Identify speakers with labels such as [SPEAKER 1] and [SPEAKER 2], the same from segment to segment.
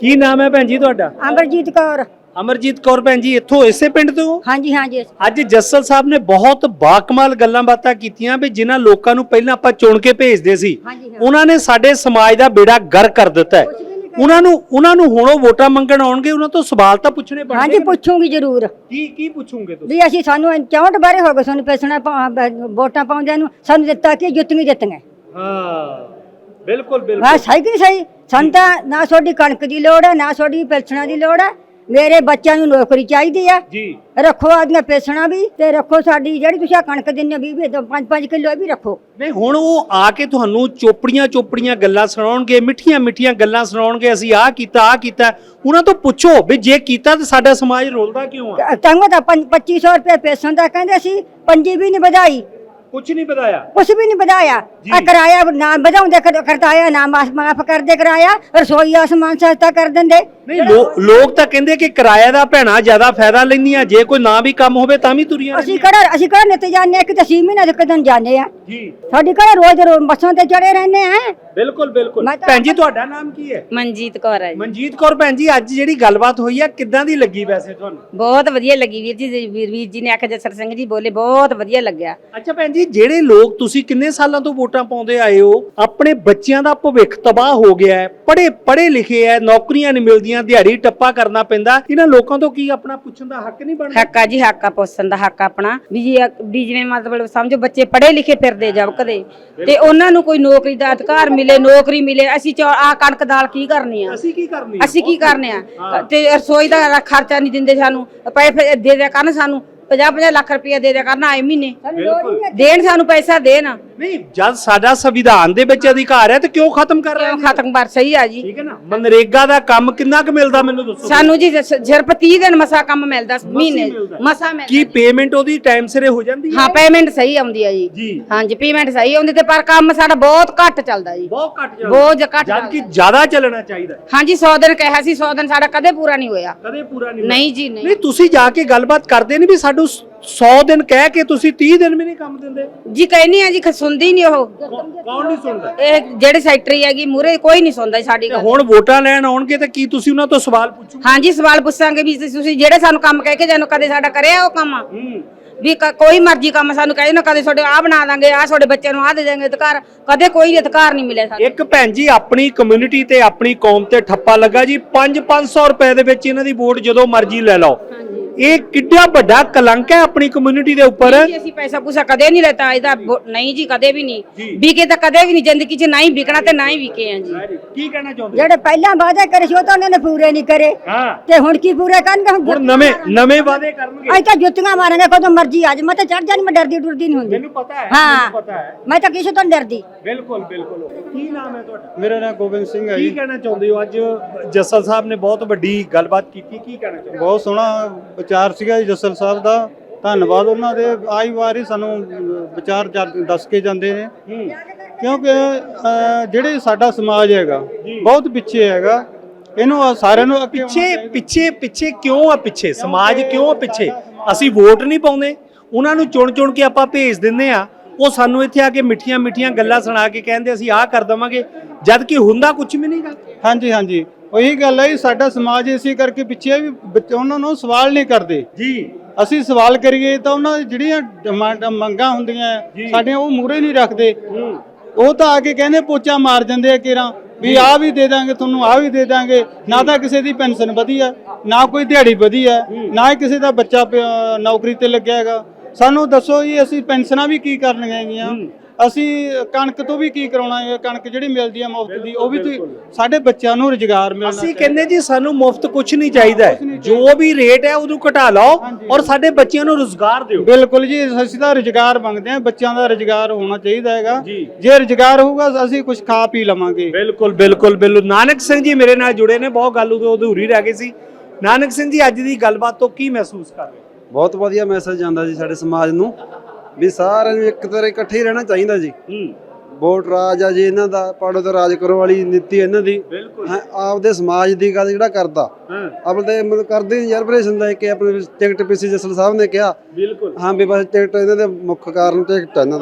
[SPEAKER 1] ਕੀ ਨਾਮ ਹੈ ਭੈਣ ਜੀ ਤੁਹਾਡਾ?
[SPEAKER 2] ਅਮਰਜੀਤ ਕੌਰ।
[SPEAKER 1] ਅਮਰਜੀਤ ਕੌਰ ਭੈਣ ਜੀ ਇੱਥੋਂ ਇਸੇ ਪਿੰਡ ਤੋਂ?
[SPEAKER 2] ਹਾਂਜੀ ਹਾਂਜੀ।
[SPEAKER 1] ਅੱਜ ਜੱਸਲ ਸਾਹਿਬ ਨੇ ਬਹੁਤ ਬਾਕਮਾਲ ਗੱਲਾਂ ਬਾਤਾਂ ਕੀਤੀਆਂ ਵੀ ਜਿਨ੍ਹਾਂ ਲੋਕਾਂ ਨੂੰ ਪਹਿਲਾਂ ਆਪਾਂ ਚੁਣ ਕੇ ਭੇਜਦੇ ਸੀ ਉਹਨਾਂ ਨੇ ਸਾਡੇ ਸਮਾਜ ਦਾ ਬੇੜਾ ਗਰ ਕਰ ਦਿੱਤਾ ਹੈ। ਉਹਨਾਂ ਨੂੰ ਹੁਣ ਉਹ ਵੋਟਾਂ ਮੰਗਣ ਆਉਣਗੇ, ਉਹਨਾਂ ਤੋਂ ਸਵਾਲ ਤਾਂ ਪੁੱਛਣੇ ਬਣਦੇ।
[SPEAKER 2] ਹਾਂਜੀ ਪੁੱਛੂਗੀ ਜ਼ਰੂਰ।
[SPEAKER 1] ਕੀ ਪੁੱਛੋਗੇ ਤੁਸੀਂ?
[SPEAKER 2] ਵੀ ਅਸੀਂ ਸਾਨੂੰ 64 ਬਾਰੇ ਹੋ ਗਏ ਸਾਨੂੰ ਪੈਸਣਾ ਵੋਟਾਂ ਪਾਉਂਦਿਆਂ ਨੂੰ, ਸਾਨੂੰ ਦਿੱਤਾ ਕਿ ਜਿੱਤੀਆਂ।
[SPEAKER 1] ਹਾਂ ਬਿਲਕੁਲ ਬਿਲਕੁਲ।
[SPEAKER 2] ਹਾਂ ਸਹੀ ਕਿ ਨਹੀਂ ਸਹੀ? ਸਾਨੂੰ ਤਾਂ ਨਾ ਤੁਹਾਡੀ ਕਣਕ ਦੀ ਲੋੜ ਹੈ, ਨਾ ਤੁਹਾਡੀ ਪੈਸਣਾ ਦੀ ਲੋੜ ਹੈ। ਮੇਰੇ ਬੱਚਿਆਂ ਨੂੰ ਨੌਕਰੀ ਚਾਹੀਦੀ ਆ ਜੀ। ਰੱਖੋ ਆਦੀਆਂ ਪੈਸਣਾ ਵੀ ਤੇ ਰੱਖੋ ਸਾਡੀ ਜਿਹੜੀ ਤੁਸੀਂ ਕਣਕ ਦਿੰਦੇ 20 5 ਕਿਲੋ ਵੀ ਰੱਖੋ।
[SPEAKER 1] ਨਹੀਂ ਹੁਣ ਉਹ ਆ ਕੇ ਤੁਹਾਨੂੰ ਚੋਪੜੀਆਂ ਗੱਲਾਂ ਸੁਣਾਉਣਗੇ, ਮਿੱਠੀਆਂ ਗੱਲਾਂ ਸੁਣਾਉਣਗੇ, ਅਸੀਂ ਆਹ ਕੀਤਾ। ਉਹਨਾਂ ਤੋਂ ਪੁੱਛੋ ਵੀ ਜੇ ਕੀਤਾ ਤਾਂ ਸਾਡਾ ਸਮਾਜ ਰੋਲਦਾ ਕਿਉਂ ਆ?
[SPEAKER 2] ਤੰਗ ਤਾਂ 2500 ਰੁਪਏ ਪੈਸਣ ਦਾ ਕਹਿੰਦੇ ਸੀ, ਪੰਜੀ ਵੀ ਨਹੀਂ ਵਧਾਈ।
[SPEAKER 1] ਕੁਛ ਨਹੀਂ ਵਧਾਇਆ? ਕੁਛ
[SPEAKER 2] ਵੀ ਨਹੀਂ ਵਧਾਇਆ। ਕਿਰਾਇਆ ਨਾ ਵਧਾਉਂਦੇ, ਕਰਤਾਇਆ ਨਾ ਮਾਫ ਕਰਦੇ, ਕਿਰਾਇਆ ਰਸੋਈ ਆਸਮਾਨ ਸਸਤਾ ਕਰ ਦਿੰਦੇ।
[SPEAKER 1] ਨਹੀਂ ਲੋਕ ਤਾਂ ਕਹਿੰਦੇ ਕਿ ਕਿਰਾਇਆ ਦਾ ਭੈਣਾ ਜ਼ਿਆਦਾ ਫਾਇਦਾ ਲੈਂਦੀਆਂ, ਜੇ ਕੋਈ ਨਾ ਵੀ ਕੰਮ ਹੋਵੇ ਤਾਂ ਵੀ ਤੁਰੀਆਂ। ਅਸੀਂ
[SPEAKER 2] ਕਿਹੜਾ ਨਿੱਤ ਜਾਂਦੇ ਆ ਕਿ 6 ਮਹੀਨੇ ਦੇ ਕਦਨ ਜਾਂਦੇ ਆ ਜੀ। ਸਾਡੀ ਕਿਹੜਾ ਰੋਜ਼ ਬੱਸਾਂ ਤੇ ਚੜੇ ਰਹਿੰਦੇ ਆ। ਬਿਲਕੁਲ।
[SPEAKER 1] ਭੈਣ ਜੀ ਤੁਹਾਡਾ ਨਾਮ ਕੀ ਹੈ?
[SPEAKER 3] ਮਨਜੀਤ ਕੌਰ ਹੈ।
[SPEAKER 1] ਮਨਜੀਤ ਕੌਰ ਭੈਣ ਜੀ, ਅੱਜ ਜਿਹੜੀ ਗੱਲਬਾਤ ਹੋਈ ਆ ਕਿੱਦਾਂ ਦੀ ਲੱਗੀ ਵੈਸੇ ਤੁਹਾਨੂੰ?
[SPEAKER 3] ਬਹੁਤ ਵਧੀਆ ਲੱਗੀ ਵੀਰ ਜੀ। ਵੀਰ ਜੀ ਨੇ ਆਖਿਆ, ਜਸਰ ਸਿੰਘ ਜੀ ਬੋਲੇ, ਬਹੁਤ ਵਧੀਆ ਲੱਗਿਆ।
[SPEAKER 1] ਅੱਛਾ ਭੈਣ ਜੀ, ਜਿਹੜੇ ਲੋਕ ਤੁਸੀਂ ਕਿੰਨੇ ਸਾਲਾਂ ਤੋਂ ਵੋਟਾਂ ਪਾਉਂਦੇ ਆਏ ਹੋ, ਆਪਣੇ ਬੱਚਿਆਂ ਦਾ ਭਵਿੱਖ ਤਬਾਹ ਹੋ ਗਿਆ ਹੈ, ਪੜ੍ਹੇ ਲਿਖੇ ਐ, ਨੌਕਰੀਆਂ ਨਹੀਂ ਮਿਲਦੀਆਂ, ਦਿਹਾੜੀ ਟੱਪਾ ਕਰਨਾ ਪੈਂਦਾ, ਇਹਨਾਂ ਲੋਕਾਂ ਤੋਂ ਕੀ ਆਪਣਾ ਪੁੱਛਣ ਦਾ ਹੱਕ ਨਹੀਂ ਬਣਦਾ?
[SPEAKER 3] ਹੱਕ ਆ ਜੀ, ਹੱਕ ਆ ਪੁੱਛਣ ਦਾ, ਹੱਕ ਆਪਣਾ ਵੀ ਜਿਵੇਂ ਮਤਲਬ ਸਮਝੋ ਬੱਚੇ ਪੜ੍ਹੇ ਲਿਖੇ ਫਿਰਦੇ ਜਬਕਦੇ ਤੇ ਉਹਨਾਂ ਨੂੰ ਕੋਈ ਨੌਕਰੀ ਦਾ ਅਧਿਕਾਰ ਮਿਲੇ, ਨੌਕਰੀ ਮਿਲੇ। ਅਸੀਂ ਆ ਕਣਕ ਦਾਲ ਕੀ ਕਰਨੀ ਆ? ਅਸੀਂ ਕੀ ਕਰਨੇ ਆ? ਤੇ ਰਸੋਈ ਦਾ ਖਰਚਾ ਨਹੀਂ ਦਿੰਦੇ ਸਾਨੂੰ, ਪੈਸੇ ਦੇ ਦਿਆ ਕਰਨ ਸਾਨੂੰ 50 ਲੱਖ ਰੁਪਇਆ ਦੇ ਦਿਆ ਕਰਨਾ ਆਏ ਮਹੀਨੇ। ਦੇਣ ਸਾਨੂੰ ਪੈਸਾ ਦੇਣ।
[SPEAKER 1] ਨਹੀਂ ਜਦ ਸਾਡਾ ਸੰਵਿਧਾਨ ਦੇ ਵਿੱਚ ਅਧਿਕਾਰ ਹੈ ਤੇ ਕਿਉਂ ਖਤਮ ਕਰ ਰਹੇ ਹੋ?
[SPEAKER 3] ਖਤਮ ਕਰ ਸਹੀ ਆ ਜੀ।
[SPEAKER 1] ਠੀਕ ਹੈ ਨਾ। ਮਨਰੇਗਾ ਦਾ ਕੰਮ ਕਿੰਨਾ ਕੁ ਮਿਲਦਾ ਮੈਨੂੰ ਦੱਸੋ?
[SPEAKER 3] ਸਾਨੂੰ ਜੀ ਸਿਰਫ 30 ਦਿਨ ਮਸਾ ਕੰਮ ਮਿਲਦਾ ਮਹੀਨੇ ਮਸਾ ਮਿਲਦਾ।
[SPEAKER 1] ਕੀ ਪੇਮੈਂਟ ਉਹਦੀ ਟਾਈਮ ਸਿਰੇ ਹੋ ਜਾਂਦੀ ਹੈ?
[SPEAKER 3] ਹਾਂ ਪੇਮੈਂਟ ਸਹੀ ਆਉਂਦੀ ਆ ਜੀ। ਹਾਂਜੀ ਪੇਮੈਂਟ ਸਹੀ ਆਉਂਦੀ ਤੇ ਪਰ ਕੰਮ ਸਾਡਾ ਬਹੁਤ ਘੱਟ ਚੱਲਦਾ ਜੀ। ਬਹੁਤ ਘੱਟ
[SPEAKER 1] ਜਦ ਕਿ ਜ਼ਿਆਦਾ ਚੱਲਣਾ ਚਾਹੀਦਾ।
[SPEAKER 3] ਹਾਂਜੀ 100 ਦਿਨ ਕਿਹਾ ਸੀ, 100 ਦਿਨ ਸਾਡਾ ਕਦੇ ਪੂਰਾ ਨਹੀਂ ਹੋਇਆ। ਨਹੀਂ ਜੀ ਨਹੀਂ।
[SPEAKER 1] ਤੁਸੀਂ ਜਾ ਕੇ ਗੱਲਬਾਤ ਕਰਦੇ ਨਹੀਂ ਵੀ ਸਾਨੂੰ 100 ਦਿਨ ਕਹਿ ਕੇ ਤੁਸੀਂ 30 ਦਿਨ ਵੀ ਨਹੀਂ ਕੰਮ ਦਿੰਦੇ
[SPEAKER 3] ਜੀ? ਕਹਿੰਨੀ ਆ ਜੀ, ਸੁਣਦੀ ਨਹੀਂ ਉਹ।
[SPEAKER 1] ਕੌਣ ਨਹੀਂ ਸੁਣਦਾ?
[SPEAKER 3] ਇਹ ਜਿਹੜੇ ਸੈਕਟਰੀ ਹੈਗੀ ਮੂਰੇ ਕੋਈ ਨਹੀਂ ਸੁਣਦਾ ਸਾਡੀ ਗੱਲ।
[SPEAKER 1] ਹੁਣ ਵੋਟਾਂ ਲੈਣ ਆਉਣਗੇ ਤਾਂ ਕੀ ਤੁਸੀਂ ਉਹਨਾਂ ਤੋਂ ਸਵਾਲ ਪੁੱਛੋਗੇ?
[SPEAKER 3] ਹਾਂਜੀ ਸਵਾਲ ਪੁੱਛਾਂਗੇ ਵੀ ਤੁਸੀਂ ਜਿਹੜੇ ਸਾਨੂੰ ਕੰਮ ਕਹਿ ਕੇ ਜਾਨੋ ਕਦੇ ਸਾਡਾ ਕਰਿਆ ਉਹ ਕੰਮ? ਵੀ ਕੋਈ ਮਰਜ਼ੀ ਕੰਮ ਸਾਨੂੰ ਕਹੇ ਨਾ, ਕਦੇ ਤੁਹਾਡੇ ਆਹ ਬਣਾ ਦਾਂਗੇ, ਆਹ ਤੁਹਾਡੇ ਬੱਚਿਆਂ ਨੂੰ ਆਹ ਦੇ ਦਾਂਗੇ ਅਧਿਕਾਰ, ਕਦੇ ਕੋਈ ਅਧਿਕਾਰ ਨਹੀਂ ਮਿਲਿਆ ਸਾਨੂੰ।
[SPEAKER 1] ਇੱਕ ਭੈਣ ਜੀ ਆਪਣੀ ਕਮਿਊਨਿਟੀ ਤੇ ਆਪਣੀ ਕੌਮ ਤੇ ਠੱਪਾ ਲੱਗਾ ਜੀ। 500 ਰੁਪਏ ਦੇ ਵਿੱਚ ਇਹਨਾਂ ਦੀ ਵੋਟ ਜਦੋਂ ਮਰਜ਼ੀ ਲੈ ਲਓ। ਇਹ ਕਿੱਡਾ ਵੱਡਾ ਕਲੰਕ ਹੈ ਆਪਣੀ ਕਮਿਊਨਿਟੀ ਦੇ ਉੱਪਰ।
[SPEAKER 3] ਅਸੀਂ ਪੈਸਾ ਪੂਸਾ ਕਦੇ ਨਹੀਂ ਲੈਤਾ ਇਹਦਾ। ਨਹੀਂ ਜੀ ਕਦੇ ਵੀ ਨਹੀਂ ਵਿਕੇ, ਤਾਂ ਕਦੇ ਵੀ ਨਹੀਂ ਜ਼ਿੰਦਗੀ 'ਚ ਨਹੀਂ ਵਿਕਣਾ ਤੇ ਨਾ ਹੀ ਵਿਕੇ ਆ ਜੀ।
[SPEAKER 1] ਕੀ ਕਹਿਣਾ ਚਾਹੁੰਦੇ?
[SPEAKER 2] ਜਿਹੜੇ ਪਹਿਲਾਂ ਵਾਅਦੇ ਕਰੇ ਸੀ ਉਹ ਤਾਂ ਉਹਨਾਂ ਨੇ ਪੂਰੇ ਨਹੀਂ ਕਰੇ ਤੇ ਹੁਣ ਕੀ ਪੂਰੇ ਕਰਨਗੇ?
[SPEAKER 1] ਹੁਣ ਨਵੇਂ ਵਾਅਦੇ ਕਰਨਗੇ।
[SPEAKER 2] ਅਸੀਂ ਤਾਂ ਜੁੱਤੀਆਂ ਮਾਰਾਂਗੇ ਕਦੋਂ ਮਰਜ਼ੀ ਆ ਜਾ। ਮੈਂ ਤਾਂ ਚੜ ਜਾਣੀ, ਮੈਂ ਡਰਦੀ ਡੁਰਦੀ ਨਹੀਂ ਹੁੰਦੀ।
[SPEAKER 1] ਮੈਨੂੰ ਪਤਾ ਹੈ।
[SPEAKER 2] ਮੈਂ ਤਾਂ ਕਿਸੇ ਤੋਂ ਨਹੀਂ ਡਰਦੀ।
[SPEAKER 1] ਬਿਲਕੁਲ। ਕੀ ਨਾਮ ਹੈ ਤੁਹਾਡਾ?
[SPEAKER 4] ਮੇਰਾ ਨਾਮ ਗੋਬਿੰਦ ਸਿੰਘ ਹੈ ਜੀ।
[SPEAKER 1] ਕੀ ਕਹਿਣਾ ਚਾਹੁੰਦੇ ਹੋ? ਅੱਜ ਜੱਸਲ ਸਾਹਿਬ ਨੇ ਬਹੁਤ ਵੱਡੀ ਗੱਲਬਾਤ ਕੀਤੀ, ਕੀ ਕਹਿਣਾ ਚਾਹੁੰਦੇ?
[SPEAKER 4] ਬਹੁਤ ਸੋਹਣਾ ਵਿਚਾਰ ਸੀਗਾ ਜੀ ਜੱਸਲ ਸਾਹਿਬ ਦਾ, ਧੰਨਵਾਦ ਉਹਨਾਂ ਦੇ। ਆਈ ਵਾਰ ਹੀ ਸਾਨੂੰ ਵਿਚਾਰ ਦੱਸ ਕੇ ਜਾਂਦੇ ਨੇ, ਕਿਉਂਕਿ ਜਿਹੜੇ ਸਾਡਾ ਸਮਾਜ ਹੈਗਾ ਬਹੁਤ ਪਿੱਛੇ ਹੈਗਾ। ਇਹਨੂੰ ਸਾਰਿਆਂ ਨੂੰ
[SPEAKER 1] ਪਿੱਛੇ ਕਿਉਂ ਆ? ਪਿੱਛੇ ਸਮਾਜ ਕਿਉਂ ਆ ਪਿੱਛੇ? ਅਸੀਂ ਵੋਟ ਨਹੀਂ ਪਾਉਂਦੇ, ਉਹਨਾਂ ਨੂੰ ਚੁਣ ਕੇ ਆਪਾਂ ਭੇਜ ਦਿੰਦੇ ਆ। ਉਹ ਸਾਨੂੰ ਇੱਥੇ ਆ ਕੇ ਮਿੱਠੀਆਂ ਗੱਲਾਂ ਸੁਣਾ ਕੇ ਕਹਿੰਦੇ ਅਸੀਂ ਆਹ ਕਰ ਦਵਾਂਗੇ, ਜਦ ਕਿ ਹੁੰਦਾ ਕੁਝ ਵੀ ਨਹੀਂਗਾ।
[SPEAKER 4] ਹਾਂਜੀ ਉਹੀ ਗੱਲ ਹੈ। ਸਾਡਾ ਸਮਾਜ ਇਸੇ ਕਰਕੇ ਪਿੱਛੇ ਵੀ ਉਹਨਾਂ ਨੂੰ ਸਵਾਲ ਨਹੀਂ ਕਰਦੇ ਜੀ। ਅਸੀਂ ਸਵਾਲ ਕਰੀਏ ਤਾਂ ਉਹਨਾਂ ਦੀ ਜਿਹੜੀਆਂ ਮੰਗਾਂ ਹੁੰਦੀਆਂ ਸਾਡੀਆਂ ਉਹ ਮੂਹਰੇ ਨਹੀਂ ਰੱਖਦੇ। ਉਹ ਤਾਂ ਆ ਕੇ ਕਹਿੰਦੇ ਪੋਚਾ ਮਾਰ ਜਾਂਦੇ ਆ ਕੇਰਾਂ ਵੀ ਆਹ ਵੀ ਦੇ ਦਾਂਗੇ ਤੁਹਾਨੂੰ, ਆਹ ਵੀ ਦੇ ਦਾਂਗੇ। ਨਾ ਤਾਂ ਕਿਸੇ ਦੀ ਪੈਨਸ਼ਨ ਵਧੀਆ, ਨਾ ਕੋਈ ਦਿਹਾੜੀ ਵਧੀਆ, ਨਾ ਹੀ ਕਿਸੇ ਦਾ ਬੱਚਾ ਨੌਕਰੀ ਤੇ ਲੱਗਿਆ ਹੈਗਾ। ਸਾਨੂੰ ਦੱਸੋ ਜੀ, ਅਸੀਂ ਪੈਨਸ਼ਨਾਂ ਵੀ ਕੀ ਕਰਨੀਆਂ ਹੈਗੀਆਂ? ਅਸੀਂ ਕਣਕ ਤੋਂ ਵੀ ਕੀ ਕਰਾਉਣਾ ਹੈ? ਕਣਕ ਜਿਹੜੀ ਮਿਲਦੀ ਹੈ ਮੁਫਤ ਦੀ, ਉਹ ਵੀ ਸਾਡੇ ਬੱਚਿਆਂ ਨੂੰ ਰੁਜ਼ਗਾਰ ਮਿਲਣਾ।
[SPEAKER 1] ਅਸੀਂ ਕਹਿੰਦੇ ਜੀ ਸਾਨੂੰ ਮੁਫਤ ਕੁਝ ਨਹੀਂ ਚਾਹੀਦਾ, ਜੋ ਵੀ ਰੇਟ ਹੈ ਉਹਨੂੰ ਘਟਾ ਲਓ ਔਰ ਸਾਡੇ ਬੱਚਿਆਂ ਨੂੰ ਰੁਜ਼ਗਾਰ ਦਿਓ।
[SPEAKER 4] ਬਿਲਕੁਲ ਜੀ, ਅਸੀਂ ਤਾਂ ਰੁਜ਼ਗਾਰ ਮੰਗਦੇ ਹਾਂ, ਬੱਚਿਆਂ ਦਾ ਰੁਜ਼ਗਾਰ ਹੋਣਾ ਚਾਹੀਦਾ ਹੈਗਾ। ਜੇ ਰੁਜ਼ਗਾਰ ਹੋਊਗਾ ਅਸੀਂ ਕੁਝ ਖਾ ਪੀ ਲਵਾਂਗੇ।
[SPEAKER 1] ਬਿਲਕੁਲ। ਨਾਨਕ ਸਿੰਘ ਜੀ ਮੇਰੇ ਨਾਲ ਜੁੜੇ ਨੇ, ਬਹੁਤ ਗੱਲ ਉਦੋਂ ਅਧੂਰੀ ਰਹਿ ਗਈ ਸੀ। ਨਾਨਕ ਸਿੰਘ ਜੀ ਅੱਜ ਦੀ ਗੱਲਬਾਤ ਤੋਂ ਕੀ ਮਹਿਸੂਸ ਕਰ ਰਹੇ?
[SPEAKER 5] ਬਹੁਤ ਵਧੀਆ ਮੈਸੇਜ ਜਾਂਦਾ ਜੀ ਸਾਡੇ ਸਮਾਜ ਨੂੰ ਵੀ ਸਾਰਿਆਂ ਨੂੰ ਇੱਕ ਤਰ੍ਹਾਂ ਇਕੱਠੇ ਹੀ ਰਹਿਣਾ ਚਾਹੀਦਾ ਜੀ। ਵੋਟ ਰਾਜ ਆ ਜੀ ਇਹਨਾਂ ਦਾ, ਪਾੜੋ ਤੋਂ ਰਾਜ ਕਰੋ ਵਾਲੀ ਨੀਤੀ ਇਹਨਾਂ ਦੀ। ਆਪਦੇ ਸਮਾਜ ਦੀ ਗੱਲ ਜਿਹੜਾ ਕਰਦਾ ਆਪਣੇ ਮਤਲਬ ਕਰਦੇ ਯਾਰ ਆਪਰੇਸ਼ਨ ਦਾ ਕਿ ਆਪਣੇ ਟਿਕਟ ਪੀਸੀ ਜੱਸਲ ਸਾਹਿਬ ਨੇ ਕਿਹਾ। ਹਾਂ ਵੀ ਬਸ ਟਿਕਟ ਇਹਨਾਂ ਦੇ ਮੁੱਖ ਕਾਰਨ ਟਿਕਟ ਇਹਨਾਂ ਦਾ ਜੀ।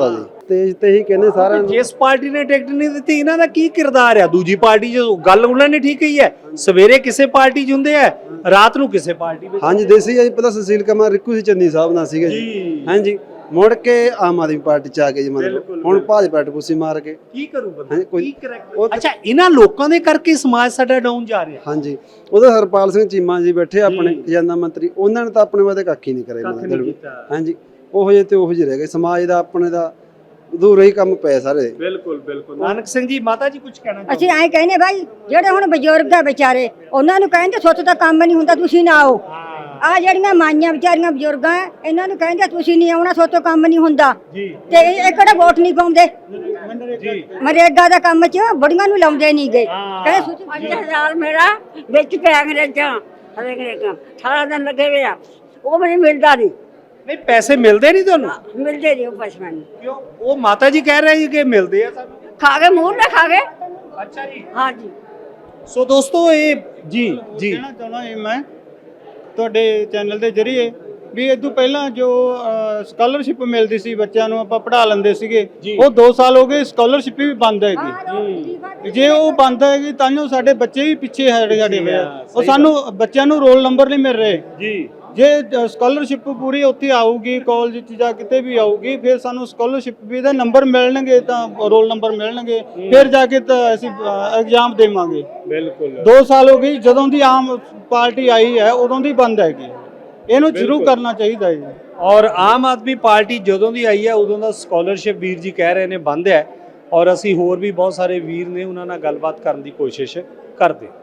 [SPEAKER 5] ਸਟੇਜ ਤੇ ਹੀ ਕਹਿੰਦੇ ਸਾਰਿਆਂ ਨੂੰ।
[SPEAKER 1] ਜਿਸ ਪਾਰਟੀ ਨੇ ਟਿਕਟ ਨਹੀਂ ਦਿੱਤੀ ਇਹਨਾਂ ਦਾ ਕੀ ਕਿਰਦਾਰ ਆ ਦੂਜੀ ਪਾਰਟੀ 'ਚ? ਗੱਲ ਉਹਨਾਂ ਨੇ ਠੀਕ ਕਹੀ ਹੈ, ਸਵੇਰੇ ਕਿਸੇ ਪਾਰਟੀ 'ਚ ਹੁੰਦੇ ਆ, ਰਾਤ ਨੂੰ ਕਿਸੇ ਪਾਰਟੀ ਵਿੱਚ।
[SPEAKER 5] ਹਾਂਜੀ ਦੇਸੀ ਜੀ ਪਹਿਲਾਂ ਸੁਸ਼ੀਲ ਕੁਮਾਰ ਰਿੱਕੂ ਸੀ ਚੰਨੀ ਸਾਹਿਬ ਨਾਲ ਸੀਗੇ ਜੀ। ਹਾਂਜੀ ਮੁੜ ਕੇ ਆਮ ਆਦਮੀ ਪਾਰਟੀ ਚ ਆ ਗਏ ਜੀ, ਮਤਲਬ ਹੁਣ ਭਾਜਪਾ ਟਪੂਸੀ ਮਾਰ ਕੇ
[SPEAKER 1] ਕੀ ਕਰੂ ਬੰਦਾ?
[SPEAKER 5] ਹਾਂਜੀ, ਕੋਈ
[SPEAKER 1] ਕੀ ਕਰੈਕਟ? ਅੱਛਾ ਇਹਨਾਂ ਲੋਕਾਂ ਦੇ ਕਰਕੇ ਸਮਾਜ ਸਾਡਾ ਡਾਊਨ ਜਾ ਰਿਹਾ।
[SPEAKER 5] ਹਾਂਜੀ ਉਹਦਾ ਹਰਪਾਲ ਸਿੰਘ ਚੀਮਾ ਜੀ ਬੈਠੇ ਆਪਣੇ ਖਜ਼ਾਨਾ ਮੰਤਰੀ, ਉਹਨਾਂ ਨੇ ਤਾਂ ਆਪਣੇ ਵਾਸਤੇ ਕੱਖ ਹੀ ਨਹੀਂ ਕਰਿਆ ਮਤਲਬ। ਹਾਂਜੀ ਉਹੋ ਜਿਹੇ ਤੇ ਉਹੋ ਜਿਹੇ ਰਹਿ ਗਏ, ਸਮਾਜ ਦਾ ਆਪਣੇ ਦਾ ਅਧੂਰਾ ਹੀ ਕੰਮ ਪਿਆ ਸਾਰੇ।
[SPEAKER 1] ਬਿਲਕੁਲ ਬਿਲਕੁਲ। ਨਾਨਕ ਸਿੰਘ ਜੀ ਮਾਤਾ ਜੀ ਕੁਝ ਕਹਿਣਾ
[SPEAKER 2] ਅਸੀਂ ਐਂ ਕਹਿੰਦੇ ਭਾਈ ਜਿਹੜੇ ਹੁਣ ਬਜ਼ੁਰਗ ਆ ਵਿਚਾਰੇ ਉਹਨਾਂ ਨੂੰ ਕਹਿੰਦੇ ਸੁੱਤ ਤਾਂ ਕੰਮ ਨਹੀਂ ਹੁੰਦਾ, ਤੁਸੀਂ ਨਾ ਆਓ। ਆ ਜਿਹੜੀਆਂ ਮਾਈਆਂ ਵਿਚਾਰੀਆਂ ਬਜ਼ੁਰਗਾਂ ਇਹਨਾਂ ਨੂੰ ਕਹਿੰਦੇ ਤੁਸੀਂ ਨਹੀਂ ਆਉਣਾ, ਸੋਤੋਂ ਕੰਮ ਨਹੀਂ ਹੁੰਦਾ ਤੇ ਇਹ ਕਿਹੜਾ ਵੋਟ ਨਹੀਂ ਪਾਉਂਦੇ ਮਰੇਗਾ ਦਾ ਕੰਮ ਚ ਬੁੜੀਆਂ ਨੂੰ ਲਾਉਂਦੇ ਨਹੀਂ ਗਏ। ਕਹਿੰਦੇ
[SPEAKER 6] 5000 ਮੇਰਾ ਵਿੱਚ ਪੈ ਅੰਗਰੇਜ਼ਾਂ ਹਰੇਕ ਸਾਰਾ ਦਿਨ ਲੱਗੇ ਹੋਏ ਆ, ਉਹ ਮੈਨੂੰ ਮਿਲਦਾ ਨਹੀਂ।
[SPEAKER 1] ਨਹੀਂ ਪੈਸੇ ਮਿਲਦੇ ਨਹੀਂ ਤੁਹਾਨੂੰ?
[SPEAKER 6] ਮਿਲਦੇ ਨਹੀਂ ਉਹ ਪੈਸੇ ਮੈਨੂੰ।
[SPEAKER 1] ਕਿਉਂ? ਉਹ ਮਾਤਾ ਜੀ ਕਹਿ ਰਹੇ ਕਿ ਮਿਲਦੇ ਆ ਸਾਨੂੰ।
[SPEAKER 6] ਖਾ ਕੇ ਮੂੰਹ ਨਾ ਖਾ ਗਏ।
[SPEAKER 1] ਅੱਛਾ ਜੀ।
[SPEAKER 6] ਹਾਂਜੀ
[SPEAKER 1] ਸੋ ਦੋਸਤੋ ਇਹ ਜੀ
[SPEAKER 4] ਕਹਿਣਾ ਚਾਹੁੰਦਾ ਜੀ ਮੈਂ ਤੁਹਾਡੇ ਚੈਨਲ ਦੇ ਜ਼ਰੀਏ ਵੀ ਇਹ ਤੋਂ ਪਹਿਲਾਂ ਜੋ ਸਕਾਲਰਸ਼ਿਪ ਮਿਲਦੀ ਸੀ ਬੱਚਿਆਂ ਨੂੰ, ਆਪਾਂ ਪੜ੍ਹਾ ਲੈਂਦੇ ਸੀਗੇ, ਉਹ 2 ਸਾਲ ਹੋ ਗਏ ਸਕਾਲਰਸ਼ਿਪ ਵੀ ਬੰਦ ਹੈਗੀ। ਜੇ ਉਹ ਬੰਦ ਹੈਗੀ ਤਾਂ ਸਾਡੇ ਬੱਚੇ ਵੀ ਪਿੱਛੇ ਹਟ ਗਏ। ਉਹ ਸਾਨੂੰ ਬੱਚਿਆਂ ਨੂੰ ਰੋਲ ਨੰਬਰ ਨਹੀਂ ਮਿਲ ਰਹੇ ਜੀ। ਜੇ ਸਕਾਲਰਸ਼ਿਪ ਪੂਰੀ ਉੱਥੇ ਆਊਗੀ ਕਾਲਜ 'ਚ ਜਾਂ ਕਿਤੇ ਵੀ ਆਊਗੀ, ਫਿਰ ਸਾਨੂੰ ਸਕਾਲਰਸ਼ਿਪ ਵੀ ਦੇ ਨੰਬਰ ਮਿਲਣਗੇ, ਤਾਂ ਰੋਲ ਨੰਬਰ ਮਿਲਣਗੇ, ਫਿਰ ਜਾ ਕੇ ਤਾਂ ਅਸੀਂ ਐਗਜ਼ਾਮ ਦੇਵਾਂਗੇ। ਬਿਲਕੁਲ 2 ਸਾਲ ਹੋ ਗਏ ਜਦੋਂ ਦੀ ਆਮ ਪਾਰਟੀ ਆਈ ਹੈ ਉਦੋਂ ਦੀ ਬੰਦ ਹੈਗੀ, ਇਹਨੂੰ ਸ਼ੁਰੂ ਕਰਨਾ ਚਾਹੀਦਾ ਹੈ ਜੀ।
[SPEAKER 1] ਔਰ ਆਮ ਆਦਮੀ ਪਾਰਟੀ ਜਦੋਂ ਦੀ ਆਈ ਹੈ ਉਦੋਂ ਦਾ ਸਕਾਲਰਸ਼ਿਪ ਵੀਰ ਜੀ ਕਹਿ ਰਹੇ ਨੇ ਬੰਦ ਹੈ, ਔਰ ਅਸੀਂ ਹੋਰ ਵੀ ਬਹੁਤ ਸਾਰੇ ਵੀਰ ਨੇ ਉਹਨਾਂ ਨਾਲ ਗੱਲਬਾਤ ਕਰਨ ਦੀ ਕੋਸ਼ਿਸ਼ ਕਰਦੇ।